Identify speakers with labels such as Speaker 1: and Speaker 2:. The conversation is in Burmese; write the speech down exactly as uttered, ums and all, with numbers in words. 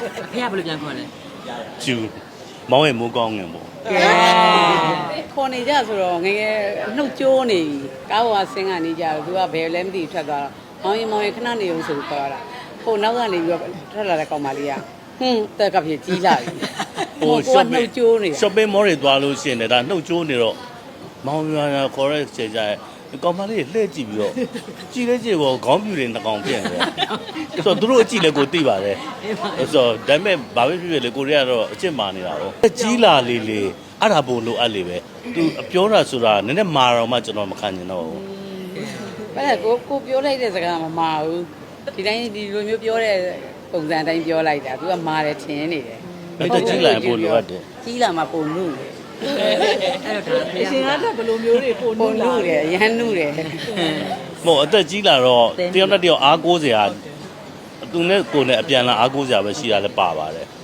Speaker 1: ဖះဘယ်လိုပြန်ခေါ်လဲ
Speaker 2: ကျူမောင်းရဲ့မိုးကောင်းငင်ပေါ့
Speaker 3: ကဲခေါ်နေကြဆိုတော့ငယ်ငယ်နှုတ်ကျိုးနေကားပေါ်ဆင်းကနေကြတော့သူကဘယ်လဲမသိထွက်သွားတော့မောင်ရင်မောင်ရင်ခဏနေအောင်ဆိုခေါ်တာဟိုနောက်ကနေပြီးတော့ထွက်လာတဲ့ကောင်မလေးကဟင်းတက်ကဖြစ်ကြီးလာပြီဟိုကနှုတ်ကျိုးနေ
Speaker 2: shopping mall တွေသွားလို့ရှိရင်လည်းဒါနှုတ်ကျိုးနေတော့မောင်းရရခေါ်တဲ့ချိန်ကျရင်ကောင်မလေးလှည့်ကြည့်ပြီးတော့ကြည့်လဲကြည့်ပေါ့ခေါင်းပြူတွေနှကောင်ပြန့်တယ်ဆိုတော့သူတို့အကြည့်လဲကိုသိပါတယ်ဆိုတော့ဒါပေမဲ့ဘာပဲဖြစ်ဖြစ်လေကိုရီးယားတော့အချစ်မာနေတာတော့ကြီးလာလေးလေးအဲ့ဒါပို့လို့အဲ့လေပဲသူပြောတာဆိုတာနည်းနည်းမာတော့မှကျွန်တော်မခံချင်တော့ဘူး
Speaker 3: အဲ့ဒါကိုကိုပြောလိုက်တဲ့စကားမမာဘူးဒီတိုင်းဒီလိုမျိုးပြောတဲ့ပုံစံတိုင်းပြောလိုက်တာသူကမာတယ်ထင်နေတယ်
Speaker 2: အဲ့ဒါကြီးလာရင်ပို့လို့ရတယ်
Speaker 3: ကြီးလာမှပုံမှုတယ်
Speaker 1: အဲ့တော့ဒါဖះ
Speaker 4: အရှင်ကတော့ဘယ်လိုမျိုးတွေပို့
Speaker 3: ပုံ
Speaker 4: လို့
Speaker 3: မှု
Speaker 4: လာ
Speaker 3: တယ်ရဟန်းမှုတယ်
Speaker 2: မဟုတ်အသက်ကြီးလာတော့တယောက်နဲ့တယောက်အားကိုးစရာသူနဲ့ကိုယ်နဲ့အပြန်လာအားကိုးစရာပဲရှိတာလည်းပါပါတယ်